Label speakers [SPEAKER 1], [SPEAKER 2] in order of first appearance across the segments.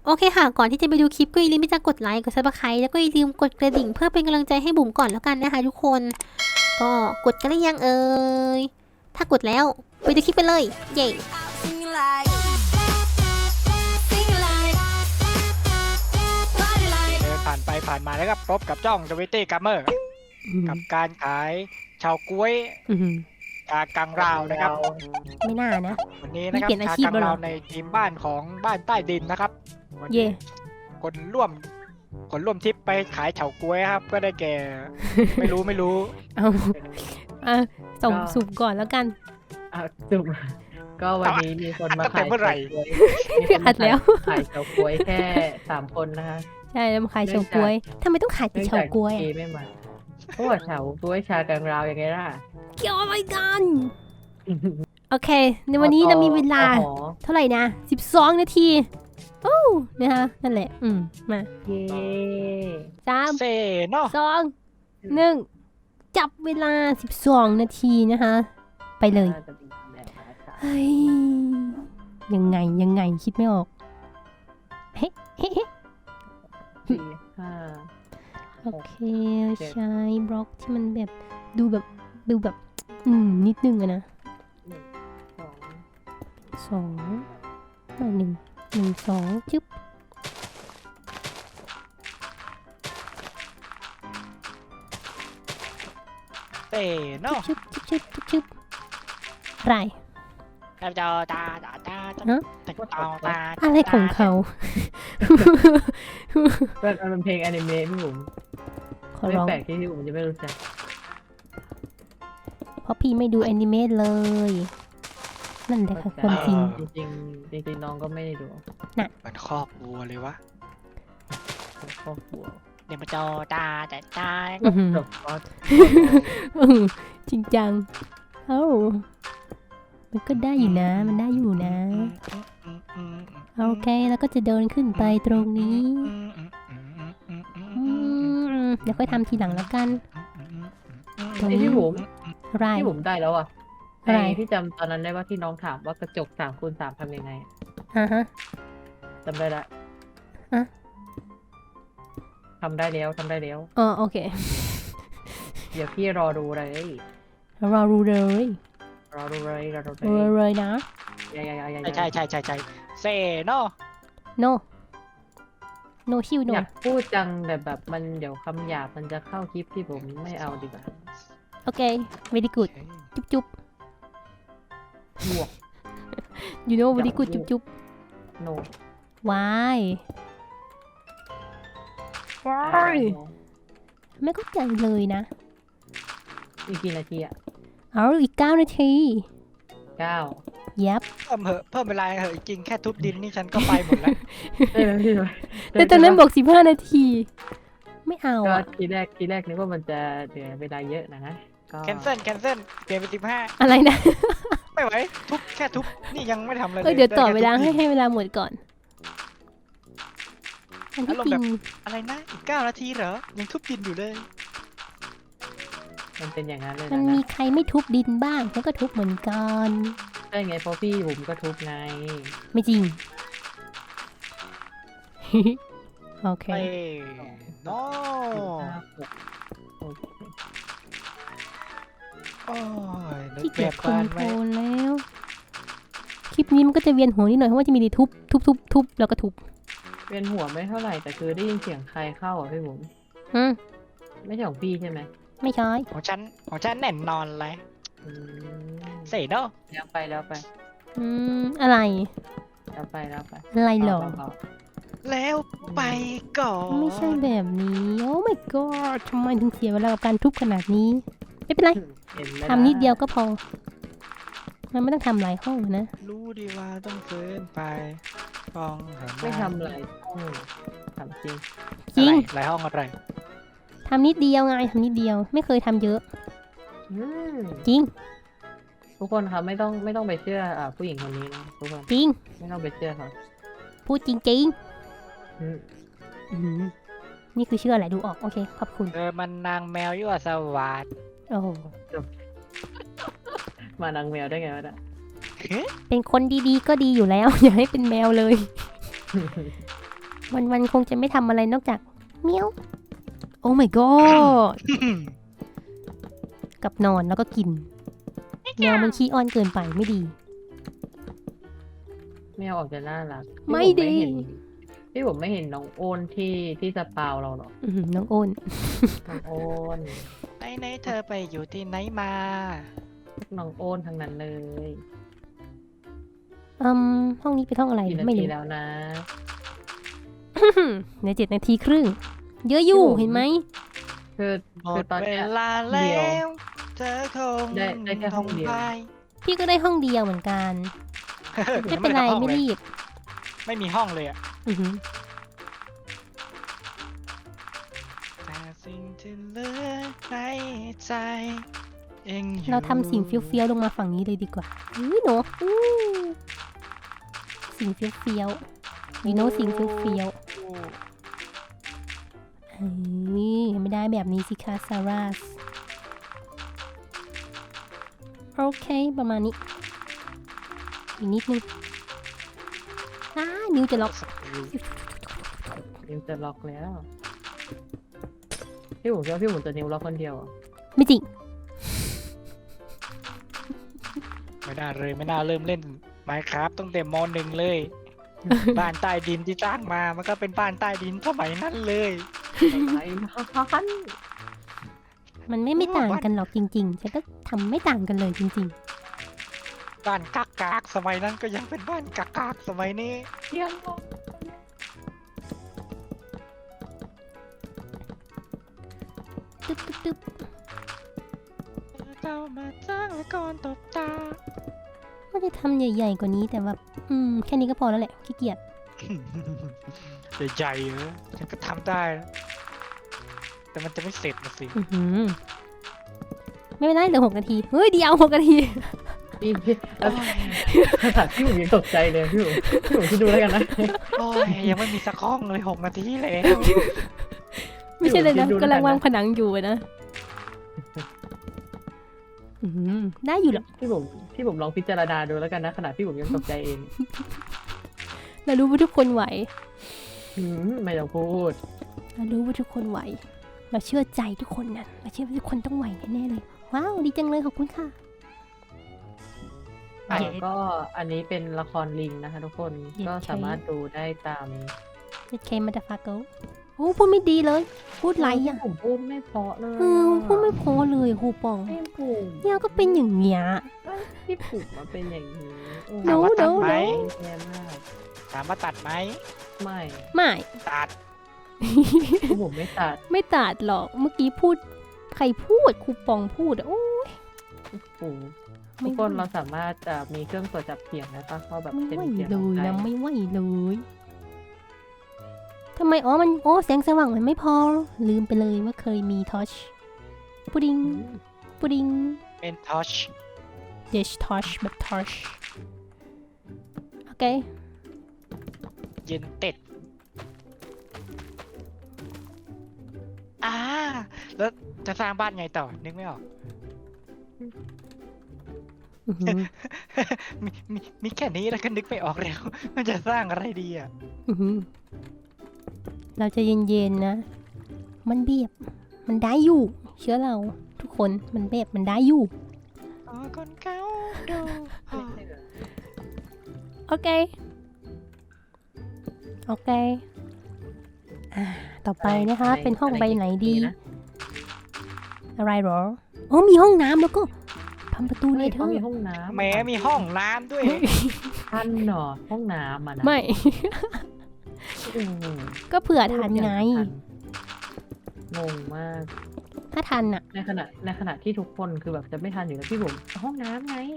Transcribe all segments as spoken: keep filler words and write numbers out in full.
[SPEAKER 1] โอเคค่ะก่อนที่จะไปดูคลิปก็อย่าลืมที่จะกดไลค์กดซับสไครต์แล้วก็อย่าลืมกดกระดิ่งเพื่อเป็นกำลังใจให้บุ๋มก่อนแล้วกันนะคะทุกคนก็กดกันหรือยังเอ่ยถ้ากดแล้วไปดูคลิปไปเลยเย้
[SPEAKER 2] เดินผ่านไปผ่านมาแล้วก็พบกับจ้องทวิตตี้กัมเมอร์กับการขายชาวกล้วยชากังราวนะครับ
[SPEAKER 1] ไม่น่านะ
[SPEAKER 2] วันนี้นะครับ
[SPEAKER 1] นี่เปลี่ยนอา
[SPEAKER 2] ชา
[SPEAKER 1] ชีพ
[SPEAKER 2] กัง
[SPEAKER 1] แล้วเหร
[SPEAKER 2] รา
[SPEAKER 1] อ
[SPEAKER 2] วในทีมบ้านของบ้านใต้ดินนะครับวันนี้
[SPEAKER 1] เย่
[SPEAKER 2] คนร่วมคนร่วมทริปไปขายเฉาก๊วยครับ ก็ได้แก่ ไม่รู้ไม่รู้
[SPEAKER 1] เอาอ่ะส่งสูบก่อนแล้วกัน
[SPEAKER 3] อ่ะจุบก็วันนี้มีคนมา
[SPEAKER 2] ตั้งแต่
[SPEAKER 3] ขาย
[SPEAKER 2] เมื่อไหร่
[SPEAKER 3] เฉาก๊วยมีคน
[SPEAKER 1] อั
[SPEAKER 3] มา
[SPEAKER 1] ดแล้ว
[SPEAKER 3] ขายเฉาก๊วยแค่สามคนนะคะ
[SPEAKER 1] ใช่แล้วมาขายเฉาก๊วยทำไมต้องขายแต่
[SPEAKER 3] เนื่อง
[SPEAKER 1] เฉา
[SPEAKER 3] จาก
[SPEAKER 1] ก๊วย
[SPEAKER 3] เจไม่มาเพราะว่าเฉาก๊วยชากังราวยังไงล่ะ
[SPEAKER 1] เกี่ยวอะไรกันโอเค ในวันนี้เรามีเวลา
[SPEAKER 3] อ๋อ
[SPEAKER 1] เท่าไหร่นะสิบสองนาทีโอ้นะคะนั่นแหละอืมมา
[SPEAKER 3] เย้
[SPEAKER 1] สาม
[SPEAKER 2] เซเนาะ
[SPEAKER 1] สองหนึ่งจับเวลาสิบสองนาทีนะคะไปเลย
[SPEAKER 3] น่าจะเป็นแบบนั้นค่ะ
[SPEAKER 1] เฮ้ยยังไงยังไงคิดไม่ออกเฮ้เฮ้เฮ้
[SPEAKER 3] สี่ห้า
[SPEAKER 1] โอเคใช้บล็อกที่มันแบบดูแบบดูแบบอืมนิดนึงอะนะ
[SPEAKER 3] สอง
[SPEAKER 1] สองอ่ะหนึ่งหนึ่งสองจึ๊บ
[SPEAKER 2] เซเนาะ
[SPEAKER 1] ชึบชึบชึบชึบชึบไร
[SPEAKER 2] ตาตาตาตาตาตา
[SPEAKER 1] ฮะ
[SPEAKER 2] ตาตา
[SPEAKER 1] อะไรของเขา
[SPEAKER 3] เป็นมันเป็นเพลงอนิเมะพี่บุ๋ม
[SPEAKER 1] ขอ
[SPEAKER 3] ไม่
[SPEAKER 1] ร้อง
[SPEAKER 3] แปลกที่พี่บุ๋มจะไม่รู้จัก
[SPEAKER 1] เพราะพี่ไม่ดูแอนิเมะเลย นั่นแหละค่ะความจริง
[SPEAKER 3] จริงๆจริงๆน้องก็ไม่ได้ดู
[SPEAKER 2] มันครอบวัวเลยวะ
[SPEAKER 3] ครอบครัว
[SPEAKER 2] เดี๋ยวมาจอตาแต่ตา
[SPEAKER 1] อื้อหือ
[SPEAKER 3] จบก็
[SPEAKER 1] อื้อจริงจัง เอ้ามันก็ได้อยู่นะ มันได้อยู่นะ โอเค แล้วก็จะเดินขึ้นไปตรงนี้อืมเดี๋ยวค่อยทำทีหลังแล้วกัน ตรง
[SPEAKER 3] ไอ้
[SPEAKER 1] นี้
[SPEAKER 3] พี่บุ๋ม
[SPEAKER 1] ไร
[SPEAKER 3] พี่บุ๋มได้แล้วอ่ะ
[SPEAKER 1] อะไร
[SPEAKER 3] ไอ้ที่จำตอนนั้นได้ว่าที่น้องถามว่ากระจกสามคูณสามทำยังไง
[SPEAKER 1] อ่าฮะ
[SPEAKER 3] จำได้ละ
[SPEAKER 1] อะ
[SPEAKER 3] ทำได้แล้วทำได้แล้ว
[SPEAKER 1] อ๋อโอเค
[SPEAKER 3] เดี๋ยวพี่รอดูเลย
[SPEAKER 1] รอรู้เลย
[SPEAKER 3] รอดูเลยรอดู
[SPEAKER 1] รอ
[SPEAKER 3] เลย
[SPEAKER 1] เลยนะ
[SPEAKER 3] ยายายายา
[SPEAKER 2] ใช่ใช่ใช่ใช่เซเนาะ
[SPEAKER 1] no no ชิว no
[SPEAKER 3] อยากพูดจังแต่แบบมันเดี๋ยวคำหยาบมันจะเข้าคลิปที่ผมไม่เอาดีกว่า
[SPEAKER 1] โอเค very good จุ๊บจุ๊บบ
[SPEAKER 3] วก
[SPEAKER 1] you know very good จุ๊บจุ๊บ
[SPEAKER 3] โน
[SPEAKER 1] why why ไม่เข้าใจเลยนะ
[SPEAKER 3] อีกกี่นาทีอ่ะ
[SPEAKER 1] เอาอีกเก้านาที
[SPEAKER 3] เก้า
[SPEAKER 1] ยับ
[SPEAKER 2] เพิ่มเหอะเพิ่มเวลาเหอะจริงแค่ทุบดินนี่ฉันก็ไปหมดแล้ว
[SPEAKER 3] ได้ไหมพี่
[SPEAKER 1] แต่ตอนนั้นบอกสิบห้านาที ไม่เอา
[SPEAKER 3] ก็
[SPEAKER 1] อะ
[SPEAKER 3] ทีแรกทีแรกนึกว่ามันจะเหลือเวลาเยอะนะฮะก็
[SPEAKER 2] แคนเซิลแคนเซิลเปลี่ยนเป็นสิบห้า
[SPEAKER 1] อะไรนะ
[SPEAKER 2] ไม่ไหวทุบแค่ทุบนี่ยังไม่ทำอะไรเล
[SPEAKER 1] เออย เดี๋ยวต่อเวลาให้ให้เวลาหมดก่อนอันที่จริง
[SPEAKER 2] อะไรนะอีกเก้านาทีเหรอยังทุบดินอยู่เลย
[SPEAKER 3] มันเป็นอย่างนั้นเลย
[SPEAKER 1] มัน
[SPEAKER 3] นะ
[SPEAKER 1] มีใครไม่ทุบดินบ้างฉันก็ทุบเหมือนกัน
[SPEAKER 3] ใช่ไงเพราะพี่ผมก็ทุบไง
[SPEAKER 1] ไม่จริง โอเค
[SPEAKER 2] เอ้โน
[SPEAKER 3] ห้าหกโอเค
[SPEAKER 2] โอ้ยนึ
[SPEAKER 1] ที่
[SPEAKER 2] ก
[SPEAKER 1] เกี
[SPEAKER 2] แบ
[SPEAKER 1] ยจ
[SPEAKER 2] บ
[SPEAKER 1] ค
[SPEAKER 2] บ้า
[SPEAKER 1] อน
[SPEAKER 2] น
[SPEAKER 1] โทร
[SPEAKER 2] ไว้
[SPEAKER 1] ลแล้ว คลิปนี้มันก็จะเวียนหัวนิดหน่อยเพราะว่าจะมีแต่ทุบทุบทุบทุบแล้วก็ทุบ
[SPEAKER 3] เวียนหัวไม่เท่าไหร่แต่คือได้ยินเสียงใครเข้าอ่ะพี่ผม
[SPEAKER 1] อืม
[SPEAKER 3] ไม่ใช่ของพี่ใช่ไหม
[SPEAKER 1] ไม่ใช่
[SPEAKER 2] ของฉันของฉันแน่นนอนเลย
[SPEAKER 3] อืม
[SPEAKER 2] เสร็จเนาะ
[SPEAKER 3] แล้วไปแล้วไป
[SPEAKER 1] อืมอะไร
[SPEAKER 3] แล้วไปแล้วไป
[SPEAKER 1] อะไรหรอ
[SPEAKER 3] เบา
[SPEAKER 2] แล้วไปก่อน
[SPEAKER 1] ไม่ใช่แบบนี้ โอ้ my god ทำไมถึงเสียเวลากับการทุบขนาดนี้ ไม่เป็นไร
[SPEAKER 3] ๆเห็นไหม
[SPEAKER 1] ทำนิดเดียวก็พอ มันไม่ต้องทำหลายห้องนะ
[SPEAKER 2] รู้ดีว่าต้องเฟินไปฟองเห็นห
[SPEAKER 3] ไม่ทำอะไรห้องทำจริง
[SPEAKER 1] จริง
[SPEAKER 2] หลายห้องอะไร
[SPEAKER 1] ทำนิดเดียวไงทำนิดเดียว ไม่เคยทำเยอะ
[SPEAKER 3] อืม
[SPEAKER 1] จริง
[SPEAKER 3] ทุกคนครับไม่ต้องไม่ต้องไปเชื่ออ่าผู้หญิงคนนี้นะทุกคน
[SPEAKER 1] จริง
[SPEAKER 3] ไม่ต้องไปเชื่อเขา
[SPEAKER 1] พูดจริง
[SPEAKER 3] อืม
[SPEAKER 1] ๆอืมนี่คือเชื่ออะไรดูออก โอเค ขอบคุณ
[SPEAKER 2] เธอมันนางแมวยั่วสวัสด
[SPEAKER 1] โอ้โห
[SPEAKER 3] มานางแมวได้ไงวะเนี่ย
[SPEAKER 1] เป็นคนดีๆก็ดีอยู่แล้ว อย่าให้เป็นแมวเลยวันๆคงจะไม่ทำอะไรนอกจากเมียวโอ้ my god กับนอนแล้วก็กินแมวมันขี้อ้อนเกินไปไม่ดี
[SPEAKER 3] แมวออกจะน่ารัก
[SPEAKER 1] ไม่ดี
[SPEAKER 3] พี่ผมไม่เห็นน้องโอนที่ที่สปาวเราหรอก
[SPEAKER 1] อื้อหือน้องโอน
[SPEAKER 3] น้องโอน
[SPEAKER 2] ไหนไหนเธอไปอยู่ที่ไหนมา
[SPEAKER 3] น้องโอนทั้งนั้นเลย
[SPEAKER 1] อืมห้องนี้เป็นห้องอะไร
[SPEAKER 3] กี่นา
[SPEAKER 1] ไม่
[SPEAKER 3] ที
[SPEAKER 1] รู้
[SPEAKER 3] แล้วนะ
[SPEAKER 1] ในเจ็ดนาทีครึ่ง เยอะอยู่
[SPEAKER 3] พี่บุ๋ม
[SPEAKER 1] เห็นไหม
[SPEAKER 3] คือ
[SPEAKER 2] หม
[SPEAKER 3] คือ
[SPEAKER 2] ด
[SPEAKER 3] ตอน
[SPEAKER 2] เว
[SPEAKER 3] เนี้ย
[SPEAKER 2] ลา
[SPEAKER 3] เดี
[SPEAKER 2] แล้
[SPEAKER 3] ยว
[SPEAKER 2] วเธอคง
[SPEAKER 3] ได้ได้แค่ห้องเดียว
[SPEAKER 2] ไป
[SPEAKER 1] พี่ก็ได้ห้องเดียวเหมือนกัน ไม่เป็นไร
[SPEAKER 2] ด้ทำห้อง
[SPEAKER 1] ไม่
[SPEAKER 2] เลย
[SPEAKER 1] รีบ
[SPEAKER 2] ไม่มีห้องเลยอะ
[SPEAKER 1] อือหือ
[SPEAKER 2] แต่สิ่งที่เหลือในใจยังอยู่
[SPEAKER 1] เราทำสิ่งเฟี้ยวๆลงมาฝั่งนี้เลยดีกว่าอุ้ยหนูอู้สิ่งเฟี้ยวๆ you know สิ่งเฟี้ยวๆ
[SPEAKER 2] โอ้
[SPEAKER 1] เฮ้ยไม่ได้แบบนี้สิคะซาร่าสโอเคประมาณนี้ อีกนิดนึงอ้านิ้วจะล็อก
[SPEAKER 3] นิวจะล็อกแล้ว พี่ผมเชื่อพี่ผมจะนิวล็อกคนเดียวอะ
[SPEAKER 1] ไม่จริง
[SPEAKER 2] ไม่น่าเลยไม่น่าเริ่มเล่น Minecraft ตั้งแต่มหนึ่งเลย บ้านใต้ดินที่สร้างมามันก็เป็นบ้านใต้ดินสมัยนั้นเลย
[SPEAKER 3] อะไรพัน
[SPEAKER 1] มันไม่ไม่ต่างกันหรอกจริงๆ ฉันก็ทำไม่ต่างกันเลยจริง
[SPEAKER 2] บ้านกากากๆสมัยนั้นก็ยังเป็นบ้านกากากๆสมัยนี้
[SPEAKER 3] เที่ยง
[SPEAKER 1] ๆ ตึ๊บตึ๊บตึ๊บ
[SPEAKER 2] เจ้ามาจ้างและก่อนตบตา
[SPEAKER 1] ว่าจะทำใหญ่ๆกว่านี้แต่ว่า อืม แค่นี้ก็พอแล้วแหละขี้เกียจ
[SPEAKER 2] ใหญ่ๆเหรอฉันก็ทำได้นะแต่มันจะไม่เสร็จนะสิ
[SPEAKER 1] อื้อหือไม่เป็นไรเหลือหกนาที เฮ้ยเดียวหกนาที
[SPEAKER 3] พี่พี่แล้วภาษาพี่ผมยังตกใจเลยพี่ผมพี่ผมคิดดูแล้วกันนะ
[SPEAKER 2] โอ้ยยังไม่มีสักห้องเลยหกนาทีแล้ว
[SPEAKER 1] ไม่ใช่เลยนะ
[SPEAKER 3] ดูแล้วกันนะ
[SPEAKER 1] กำลังวางผนังอยู่อะนะอื้อหือได้อยู่หรอก
[SPEAKER 3] พี่ผมพี่ผมลองพิจารณาดูแล้วกันนะขนาดพี่ผมยังตกใจเอง
[SPEAKER 1] เรารู้ว่าทุกคนไหว
[SPEAKER 3] อืมไม่ต้องพูด
[SPEAKER 1] เรารู้ว่าทุกคนไหว เราเชื่อใจทุกคนนะเราเชื่อว่าทุกคนต้องไหวแน่ๆเลย ว้าว ดีจังเลยขอบคุณค่ะ
[SPEAKER 3] อ่ะ
[SPEAKER 1] เย้
[SPEAKER 3] ก็อันนี้เป็นละครลิงนะคะทุกคน
[SPEAKER 1] เย้
[SPEAKER 3] ก็สามารถดูได้ตาม
[SPEAKER 1] เจ็ดเคมาดาฟาโกโอ้พูดไม่ดีเลย พูดไรอ่ะ
[SPEAKER 3] ผมพูดไม่เพราะเลย
[SPEAKER 1] เออพูดไม่พอเลยครูปอง
[SPEAKER 3] ไม่ผูก
[SPEAKER 1] เนี่ยก็เป็นอย่างเงี้ย
[SPEAKER 3] พี่ผูกมาเป็นอย่างนี้โอ้
[SPEAKER 1] หนู
[SPEAKER 2] ถามว่าตัดไหม
[SPEAKER 3] แย่มาก
[SPEAKER 2] ถามว่าตัดไหม
[SPEAKER 3] ไม่
[SPEAKER 1] ไม่
[SPEAKER 2] ตัด
[SPEAKER 3] พี่ผมไม่ตัด
[SPEAKER 1] ไม่ตัดหรอก เมื่อกี้พูด ใครพูดครูปองพูดอะโอ้ย
[SPEAKER 3] ผูก
[SPEAKER 1] ไม่
[SPEAKER 3] ทุกคนเราสามารถจะมีเครื่องตรวจจับเสียงได้ปะเขาแบบ
[SPEAKER 1] ไม่
[SPEAKER 3] เป็น
[SPEAKER 1] ไหว
[SPEAKER 3] เสียง
[SPEAKER 1] เล
[SPEAKER 3] ของ
[SPEAKER 1] ย
[SPEAKER 3] ใคร
[SPEAKER 1] นะไม่ไหวเลยทำไมอ๋อมันโอ้แสงสว่างมันไม่พอ ลืมไปเลยว่าเคยมีทอชพุดดิ้ง
[SPEAKER 3] อืม
[SPEAKER 1] พุดดิ้ง
[SPEAKER 2] เป็นทอช
[SPEAKER 1] เดชทอชแบบทอชโอเค
[SPEAKER 2] เย็นเต็ดอ่าแล้วจะสร้างบ้านไงต่อ นึกไม่ออก
[SPEAKER 1] อื้อหือ
[SPEAKER 2] มีมีมีแค่นี้แล้วก็นึกไม่ออกแล้ว มันจะสร้างอะไรดีอ่ะ
[SPEAKER 1] อื้อหือเราจะเย็นๆนะ มันเบียบ มันได้อยู่ เชื่อเรา ทุกคน มันเบียบ มันได้อยู่
[SPEAKER 2] อ๋อคนเก่าดู
[SPEAKER 1] โอเค โอเค อ่า ต่อไปนะคะ เป็นห้องใบไหนดี
[SPEAKER 3] นะ
[SPEAKER 1] อะไรหรอ โอ้มีห้องน้ำแล้วก็ทำประตูเล
[SPEAKER 3] เฮ้
[SPEAKER 1] ย
[SPEAKER 3] ย
[SPEAKER 1] เธ
[SPEAKER 3] เขา
[SPEAKER 1] อ
[SPEAKER 3] มีห้องน้ำ
[SPEAKER 2] แหม้มีห้องน้ำด้วย
[SPEAKER 3] ทันเหรอห้องน้ำอ่ะนะ
[SPEAKER 1] ไม่
[SPEAKER 3] อืม
[SPEAKER 1] ก็เผื่อทันไง
[SPEAKER 3] งงมาก
[SPEAKER 1] ถ้าทันอะ
[SPEAKER 3] ในขณะในขณะที่ทุกคนคือแบบจะไม่ทันอยู่แล้วพี่ผมห้องน้ำไง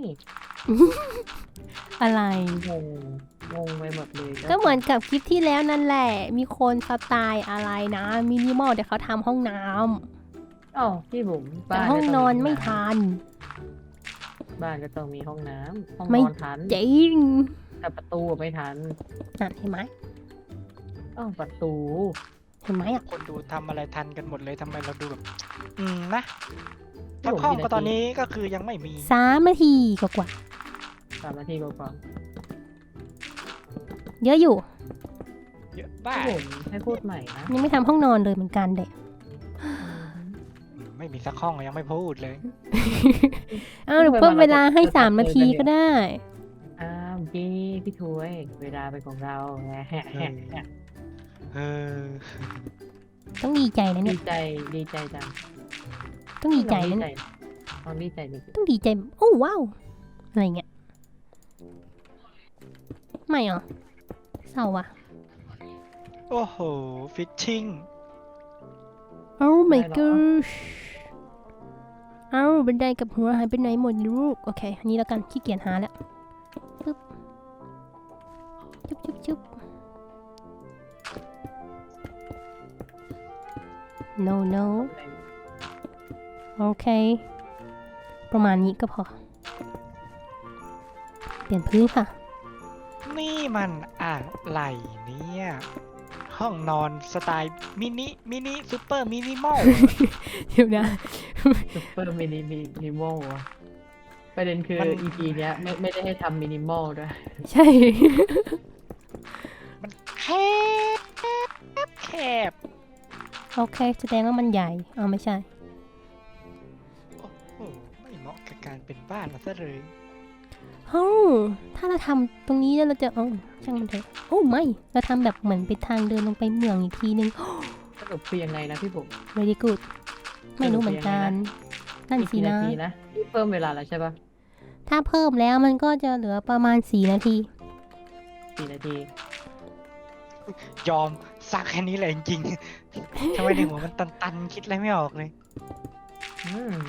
[SPEAKER 1] อะไร
[SPEAKER 3] งงงงไปหมดเลย
[SPEAKER 1] ก็เหมือนกับคลิปที่แล้วนั่นแหละ มีคนสไตล์อะไรนะ มินิมอลแต่เขาทำห้องน้ำ
[SPEAKER 3] อ๋อพี่ผม
[SPEAKER 1] แต่
[SPEAKER 3] บ้าน
[SPEAKER 1] ห้อง
[SPEAKER 3] ก็
[SPEAKER 1] น
[SPEAKER 3] ต้
[SPEAKER 1] อน
[SPEAKER 3] มี
[SPEAKER 1] ไม่
[SPEAKER 3] ห้ง
[SPEAKER 1] ทัน
[SPEAKER 3] บ้านก็ต้องมีห้องน้ำห้อง
[SPEAKER 1] ไม่
[SPEAKER 3] นอนทัน
[SPEAKER 1] จริง
[SPEAKER 3] แต่ประตูไม่ทัน
[SPEAKER 1] นั่นเห็นไหม
[SPEAKER 3] อ้าวประตู
[SPEAKER 1] เห็นไหมอ่ะ
[SPEAKER 2] คนดูทำอะไรทันกันหมดเลยทำไมเราดูแบบ อืมนะแล้วห้องก็ตอนนี้ก็คือยังไม่มี
[SPEAKER 1] สามนาทีกว่า
[SPEAKER 3] สามนาทีกว่า
[SPEAKER 1] ๆเยอะอยู่
[SPEAKER 2] เยอะบ้า
[SPEAKER 3] พี่ผมให้พูดใหม่นะ
[SPEAKER 1] ยังไม่ทำห้องนอนเลยเหมือนกันเด็ก
[SPEAKER 2] ไม่มีสักห้องยังไม่พูดเลย
[SPEAKER 1] อ้าวเดี๋ยวเพิ่มเวลาให้สามนาทีก็ได้
[SPEAKER 3] อ้าวพี่พี่ถวยเวลาเป็นของเราแฮะแฮะแฮะ
[SPEAKER 2] เออ
[SPEAKER 1] ต้องดีใจนะ
[SPEAKER 3] ดี
[SPEAKER 1] เนี่ย
[SPEAKER 3] ใจดีใจจัง
[SPEAKER 1] ต้องดีใจนะ
[SPEAKER 3] ล
[SPEAKER 1] เนี่ย
[SPEAKER 3] องดีใจดิ
[SPEAKER 1] ต้องดีใจโอ้ว้าวอะไรเงี้ยไม่เหรอเศร้าว่ะ
[SPEAKER 2] โอ้โหฟิชชิ่ง
[SPEAKER 1] Oh my gosh เอ้าบันไดกับหัวหายไปไหนหมดลูกโอเคอันนี้แล้วกันขี้เกียจหาแล้วปึ๊บจุ๊บจุ๊บจุ๊บ no no โอเค ประมาณนี้ก็พอ เปลี่ยนพื้นค่ะ
[SPEAKER 2] นี่มันอะไรเนี่ยห้องนอนสไตล์มินิมินิซูเปอร์มินิมอล
[SPEAKER 1] เดี๋ยวนะ
[SPEAKER 3] ซุปเปอร์มินิมินิมอลอะประเด็นคือ
[SPEAKER 2] มัน
[SPEAKER 3] อี พี เนี้ยไม่ไม่ได้ให้ทำมินิมอลด้วย
[SPEAKER 1] ใช่
[SPEAKER 2] มันแคบแคบ
[SPEAKER 1] โอเคแสดงว่ามันใหญ่เอาไม่ใช่
[SPEAKER 2] โอ้โหไม่เหมาะกับการเป็นบ้านมาซะเลย
[SPEAKER 1] เฮ้าถ้าเราทำตรงนี้แล้วเราจะเอ้าช่างมันเถอะโอ้ไม่เราทำแบบเหมือนเป็นทางเดินลงไปเมืองอีกทีนึง
[SPEAKER 3] สรุปคือยังไงนะพี่ผม
[SPEAKER 1] very good ไม่รู้เหมือนกันนั่น
[SPEAKER 3] อีก
[SPEAKER 1] สิ
[SPEAKER 3] กี่นา
[SPEAKER 1] นะ
[SPEAKER 3] ทีนะพี่เพิ่มเวลาแล้วใช่ปะ
[SPEAKER 1] ถ้าเพิ่มแล้วมันก็จะเหลือประมาณสี่นาที
[SPEAKER 3] สี่นาที
[SPEAKER 2] ยอมซักแค่นี้เลยจริงๆ ทำไมในหัวมันตันๆ คิดอะไรไม่ออกเลย
[SPEAKER 3] อืม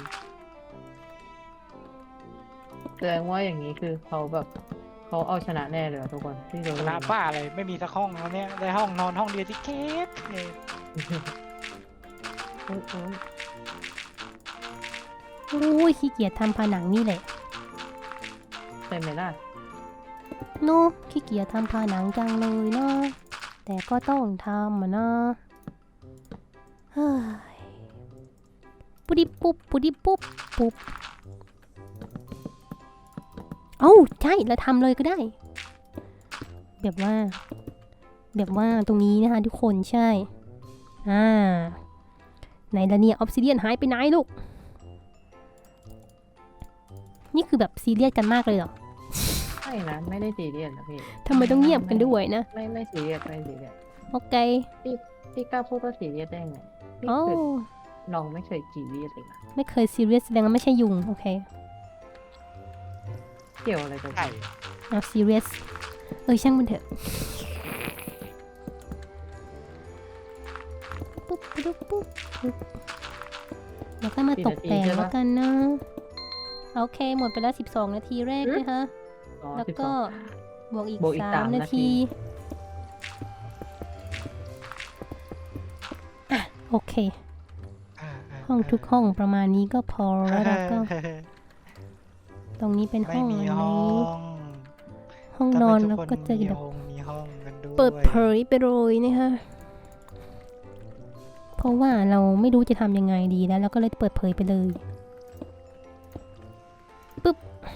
[SPEAKER 3] แสดงว่าอย่างนี้คือเขาแบบเขาเอาชนะแน่เลยอะทุกคนที่เรา
[SPEAKER 2] ชนะบ้าอะไรไม่มีสักห้องแล้วเนี่ยได้ห้องนอนห้องเดียวที่แคบเลย
[SPEAKER 3] โอ้ยโอ้ย
[SPEAKER 1] โอ้ยขี้เกียจทำผนังนี่แหละ
[SPEAKER 3] ใช่ไหมล่ะ
[SPEAKER 1] โน้ขี้เกียจทำผนังจังเลยเนาะแต่ก็ต้องทำอะเนาะเฮ้ยปุ๊ดิปุ๊บปุ๊ดิปุ๊บปุ๊บเอ้าใช่เราทำเลยก็ได้ แบบว่า แบบว่าตรงนี้นะคะทุกคนใช่อ่าไหนละเนี่ยออฟซิเดียนหายไปไหนลูกนี่คือแบบซีเรียสกันมากเลยเหรอ
[SPEAKER 3] ไม่นะไม่ได้ซีเรียสนะพี่
[SPEAKER 1] ทำไมต้องเงียบกันด้วยนะ
[SPEAKER 3] ไม่ไม่ซีเรียสไม่ซีเรียส
[SPEAKER 1] โอเค
[SPEAKER 3] พี่กล้าพูดว่าซีเรียสได้ไงพี่
[SPEAKER 1] โอ้
[SPEAKER 3] เคยน้องไม่เคยซีเรียสเลยนะ
[SPEAKER 1] ไม่เคยซีเรียสแสดงว่าไม่ใช่ยุงโอเค
[SPEAKER 3] เกี่ยวอะไรกับ
[SPEAKER 2] ใช่
[SPEAKER 1] เอาซีเรียสเออช่างมันเถอะปุ๊บปุ๊บปุ๊บปุ๊บแล้วก็มาตกแต่งแล้วกันนะโอเคหมดไปแล้วสิบสองนาทีแรกนะคะ
[SPEAKER 3] อ๋อ
[SPEAKER 1] แล้ว
[SPEAKER 3] สิบส
[SPEAKER 1] ก็
[SPEAKER 3] อง
[SPEAKER 1] บวกอีก
[SPEAKER 3] บวกอีก
[SPEAKER 1] สา
[SPEAKER 3] สาม ม
[SPEAKER 1] นา
[SPEAKER 3] นาที
[SPEAKER 1] ทีอ่ะโอเค ห้องทุกห้องประมาณนี้ก็พอแล้วเราก็ ตรงนี้เป็น
[SPEAKER 2] ไม่
[SPEAKER 1] ห้อง
[SPEAKER 2] มี
[SPEAKER 1] อัน
[SPEAKER 2] ห้อ
[SPEAKER 1] นี้
[SPEAKER 2] ง
[SPEAKER 1] ห้อง
[SPEAKER 2] ทำ
[SPEAKER 1] น
[SPEAKER 2] ไม
[SPEAKER 1] อน
[SPEAKER 2] ทุ
[SPEAKER 1] แล้ว
[SPEAKER 2] คน
[SPEAKER 1] ก็จะ
[SPEAKER 2] มี
[SPEAKER 1] แบบ
[SPEAKER 2] ห้องมีห้องกันด้วย
[SPEAKER 1] เปิดเผยไปเลยนะคะเพราะว่าเราไม่รู้จะทำยังไงดีแล้วเราก็เลยเปิดเผยไปเลยปึ๊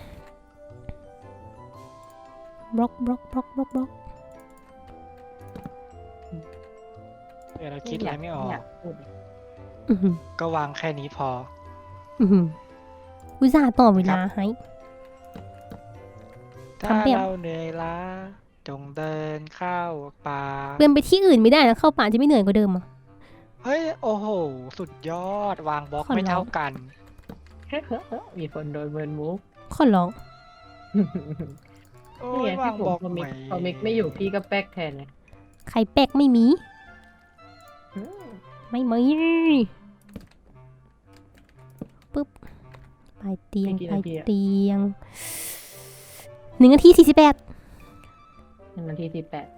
[SPEAKER 1] บบล็อกบล็อกบล็อกบล็อกบล็อก
[SPEAKER 2] เดี๋ยวเราคิดอะไรไม่ออก
[SPEAKER 3] ยากพูดเลย
[SPEAKER 1] อือหือ
[SPEAKER 2] ก็วางแค่นี้พอ
[SPEAKER 1] อือหืออุตส่าห์ต่อเวลาให้
[SPEAKER 2] ถ้า
[SPEAKER 1] ทำแบบ
[SPEAKER 2] เราเหนื่อยล้า จงเดินเข้าป่า
[SPEAKER 1] เดินไปที่อื่นไม่ได้นะเข้าป่าจะไม่เหนื่อยกว่าเดิมเหรอ่ะ
[SPEAKER 2] เฮ้ย โอ้โห สุดยอด วางบล็อก
[SPEAKER 1] ขอร้อง
[SPEAKER 2] ไม่เท่ากัน
[SPEAKER 3] มีคนโดนเบิร์นมุก
[SPEAKER 1] ขอร้อง
[SPEAKER 2] โอ้
[SPEAKER 3] นี่
[SPEAKER 2] ย
[SPEAKER 3] ไง
[SPEAKER 2] วาง
[SPEAKER 3] พี่ผ
[SPEAKER 2] บ
[SPEAKER 3] ม
[SPEAKER 2] ล็อก
[SPEAKER 3] พอมิก
[SPEAKER 2] ใหม่
[SPEAKER 3] พอมิกไม่อยู่พี่ก็แป๊กแทนเลย
[SPEAKER 1] ไข่แป๊กไม่มี
[SPEAKER 3] อืม
[SPEAKER 1] ไม่มีปึ๊บปลายเตียงปลายเตียงหนึ่งนาทีสี่สิบแปด
[SPEAKER 3] หนึ่งนาทีสิบแปด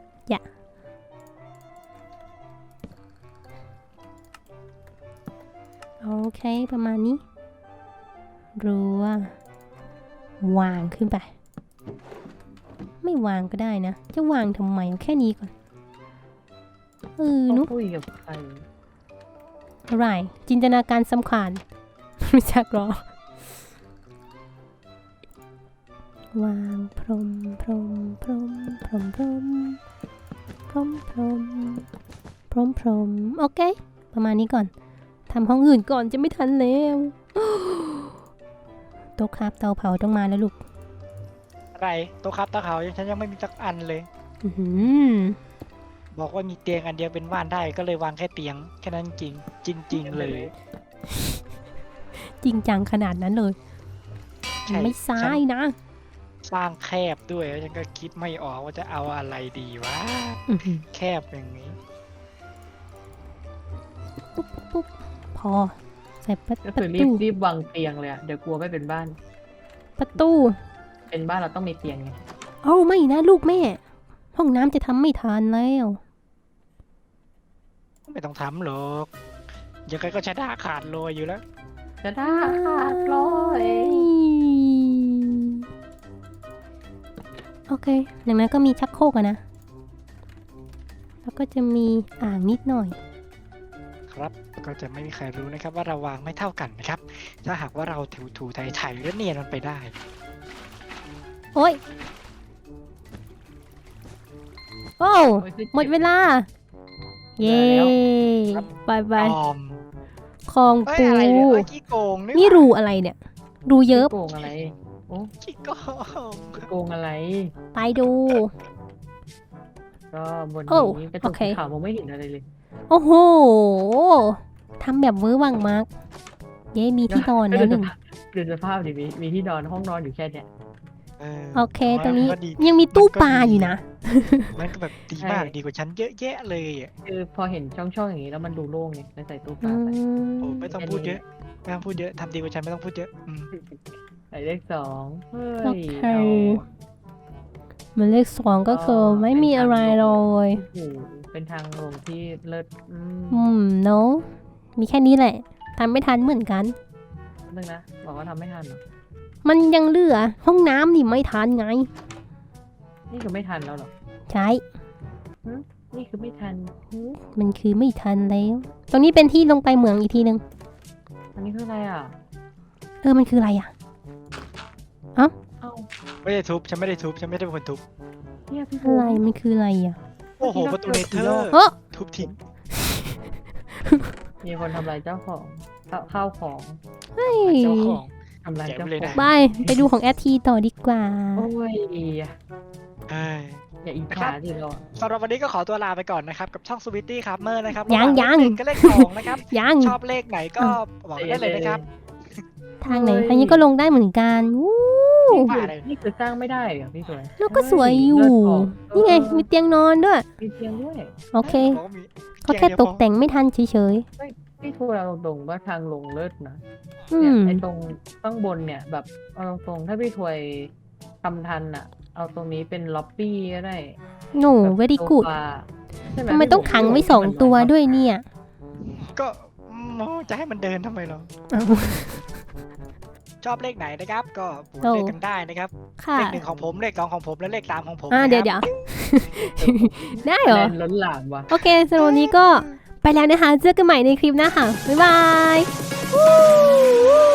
[SPEAKER 1] โอเคประมาณนี้รัววางขึ้นไป ไม่วางก็ได้นะ จะวางทำไมเอาแค่นี้ก่อนเออนุ๊ก
[SPEAKER 3] คุยกับใคร
[SPEAKER 1] อะไรจินตนาการสำคัญ รู้จักหรอ วางพรมพรมพรมพรมพรมพรร้อมพรมพร้อมพรมโอเค ประมาณนี้ก่อนทำห้องอื่นก่อนจะไม่ทันแล้ว โต๊ะครับเตาเผาต้องมาแล้วลูก
[SPEAKER 2] อะไรโต๊ะครับตะเขายังฉันยังไม่มีสักอันเลย
[SPEAKER 1] อื้อหือ
[SPEAKER 2] บอกว่ามีเตียงอันเดียวเป็นบ้านได้ก็เลยวางแค่เตียงแค่นั้นจริงจริง ๆ เลย
[SPEAKER 1] จริงจังขนาดนั้นเลย
[SPEAKER 2] ใช่
[SPEAKER 1] ไม่ซ้ายนะ
[SPEAKER 2] สร้างแคบด้วยแล้วฉันก็คิดไม่ออกว่าจะเอาอะไรดีวะ
[SPEAKER 1] อื้อหือ
[SPEAKER 2] แคบอย่างนี้
[SPEAKER 1] ปุ๊บปุ๊บพอใส่ประ
[SPEAKER 3] ก็
[SPEAKER 1] ป
[SPEAKER 3] คือ
[SPEAKER 1] ระ
[SPEAKER 3] รี
[SPEAKER 1] ตู
[SPEAKER 3] บรีบวางเตียงเลยอะเดี๋ยวกลัวไม่เป็นบ้าน
[SPEAKER 1] ประตู
[SPEAKER 3] เป็นบ้านเราต้องมีเตียงไง
[SPEAKER 1] เอ้าไม่นะลูกแม่ ห้องน้ำจะทำไม่ทันแล้ว
[SPEAKER 2] ไม่ต้องทำหรอกยังไงก็ชนะขาดโลยอยู่แล้ว
[SPEAKER 3] จะได้ขาดร้อย
[SPEAKER 1] โอเคดังนั้นก็มีชักโครกอะนะ แล้วก็จะมีอ่างนิดหน่อย
[SPEAKER 2] ครับก็จะไม่มีใครรู้นะครับว่าเราวางไม่เท่ากันนะครับ ถ้าหากว่าเราถูถูไถ่ๆแล้วเนียนมันไปได้
[SPEAKER 1] โอ้ย โอ้
[SPEAKER 3] โอ้ยคือ
[SPEAKER 1] หมดเวลา เย้บายบาย
[SPEAKER 2] ออม
[SPEAKER 1] คลอง
[SPEAKER 2] เอ้ย
[SPEAKER 1] ปู
[SPEAKER 2] อะไรเนี่ยเอ้ยขี้โกง
[SPEAKER 1] นี่
[SPEAKER 2] หว่า
[SPEAKER 1] รูอะไรเนี่ย รูเยอะ
[SPEAKER 3] โกงอะไร โอ้
[SPEAKER 2] ขี้โกง
[SPEAKER 3] โกงอะไร
[SPEAKER 1] ไปดู
[SPEAKER 3] ก็บน
[SPEAKER 1] โอ้
[SPEAKER 3] นี้กระจ
[SPEAKER 1] โอก เค
[SPEAKER 3] สีขาวมองไม่เห็นอะไรเลย
[SPEAKER 1] โอ้โห ทำแบบเวอร์วังมาก เย้มีที่นอนแล้วหนึ่ง
[SPEAKER 3] ดูสภาพดิมีมีที่นอนห้องนอนอยู่แค่เนี้ย
[SPEAKER 2] เออ
[SPEAKER 1] โอเค ตรงนี้
[SPEAKER 2] มัก็ดี
[SPEAKER 1] ยังมีตู้ปลาอยู่นะ
[SPEAKER 2] มันก็แบบดีมาก
[SPEAKER 3] ใช่
[SPEAKER 2] ดีกว่าฉันเยอะแยะเลยอ่ะ
[SPEAKER 3] คือพอเห็นช่องๆอย่างนี้แล้วมันดูโล่งไงเลยใส่ตู้ป
[SPEAKER 1] อื
[SPEAKER 3] ลาไป
[SPEAKER 2] โอ้
[SPEAKER 1] ม
[SPEAKER 2] ไม่ต้องพูดเยอะไม่ต้องพูดเยอะทำดีกว่าฉันไม่ต้องพูดเยอะอืม
[SPEAKER 3] ใส่เลขสองเฮ้
[SPEAKER 1] โอย เค
[SPEAKER 3] เอา
[SPEAKER 1] หมายเลขสองก็คือไม่มีอะไรเลย
[SPEAKER 3] โอ้โหเป็นทางลงที่เลิศอืม
[SPEAKER 1] อืมเนาะมีแค่นี้แหละทำไม่ทันเหมือนกัน
[SPEAKER 3] นึงนะบอกว่าทำไม่ทันเหรอ
[SPEAKER 1] มันยังเหลือห้องน้ำนี่ไม่ทันไง
[SPEAKER 3] นี่คือไม่ทันแล้วเหรอ
[SPEAKER 1] ใช่
[SPEAKER 3] นี่คือไม่ทันหือ
[SPEAKER 1] มันคือไม่ทันแล้ว ตรงนี้เป็นที่ลงไปเหมืองอีกทีหนึ่ง
[SPEAKER 3] อันนี้คืออะไรอ่ะ
[SPEAKER 1] เออมันคืออะไรอ่ะ
[SPEAKER 3] เอ้า
[SPEAKER 2] ไม่ได้ทุบฉันไม่ได้ทุบฉันไม่ได้เป็นคนทุบ
[SPEAKER 3] เนี่ยพี่
[SPEAKER 1] อะไรมันคืออะไรอ่ะ
[SPEAKER 2] โอ้โหประตูเนเธอร์
[SPEAKER 1] เออ
[SPEAKER 2] ทุบทิ้ง
[SPEAKER 3] มีคนทำลายเจ้าของข้าวข้าวของ
[SPEAKER 1] เฮ้ย
[SPEAKER 2] เจ้าของ
[SPEAKER 3] ทำลายเจ้า
[SPEAKER 2] แกะไปเลย
[SPEAKER 3] ขอ
[SPEAKER 2] นะ
[SPEAKER 3] ง
[SPEAKER 1] บายไปดูของแอดทีต่อดีกว่า
[SPEAKER 3] โอ้ย
[SPEAKER 2] เอ้ย
[SPEAKER 3] อย่าอิจฉาดิเราอะ
[SPEAKER 2] สำหรับวันนี้ก็ขอตัวลาไปก่อนนะครับ กับช่องสวิตตี้ครับเมอร์นะครับ
[SPEAKER 1] ยัง
[SPEAKER 2] ระหว่างเลข
[SPEAKER 1] ยัง
[SPEAKER 2] หนึ่งก็เลขสองนะครับ
[SPEAKER 1] ยัง
[SPEAKER 2] ชอบเลขไหนก็บอกได้เลยนะครับ
[SPEAKER 1] ทางไหนทางนี้ก็ลงได้เหมือนกันวู้
[SPEAKER 2] ว่าอะไร
[SPEAKER 3] นี่คือสร้างไม่ได้เหรอพี่สวย
[SPEAKER 1] แล้วก็สวยอยู่ นี่ไงมีเตียงนอนด้วย
[SPEAKER 3] มีเตียงด้วย
[SPEAKER 1] โอเค
[SPEAKER 2] บอกว่ามี
[SPEAKER 1] ก็แค่ตกแต่งไม่ทันเฉย
[SPEAKER 3] พี่ทัวร์เอาตรงๆว่าทางลงเลิศนะ
[SPEAKER 1] ๆ อื
[SPEAKER 3] เนี่ย
[SPEAKER 1] ม
[SPEAKER 3] ไอ้ตรงข้างบนเนี่ยแบบเอาตรงๆถ้าพี่ถวยทำทันอ่ะ เอาตรงนี้เป็นล็อบบี้ก็ได้
[SPEAKER 1] โน่
[SPEAKER 3] แบบ
[SPEAKER 1] very
[SPEAKER 3] โซ
[SPEAKER 1] good
[SPEAKER 3] ฟาใช่ห
[SPEAKER 1] ทำไมต้องขังไว้สองตัวด้วยเนี่ย
[SPEAKER 2] ก็อืมจะให้มันเดินทำไมเหรอ
[SPEAKER 1] อ้าว
[SPEAKER 2] ชอบเลขไหนนะครับ ก็โหวต
[SPEAKER 1] โอ้
[SPEAKER 2] เลขกันได้นะครับ
[SPEAKER 1] ค่ะ
[SPEAKER 2] เลขหนึ่งของผมเลขสองของผมและเลขสามของผม
[SPEAKER 1] อ่า
[SPEAKER 2] นะ
[SPEAKER 1] เดี๋ยว
[SPEAKER 2] ค
[SPEAKER 1] เดี๋
[SPEAKER 2] รับ
[SPEAKER 1] ยว ได้เหรอ
[SPEAKER 3] แรงล้นหลามว่ะ
[SPEAKER 1] โอเคสำหรับวันนี้ก็ไปแล้วนะคะ เจอกันใหม่ในคลิปหน้าค่ะ บ๊ายบาย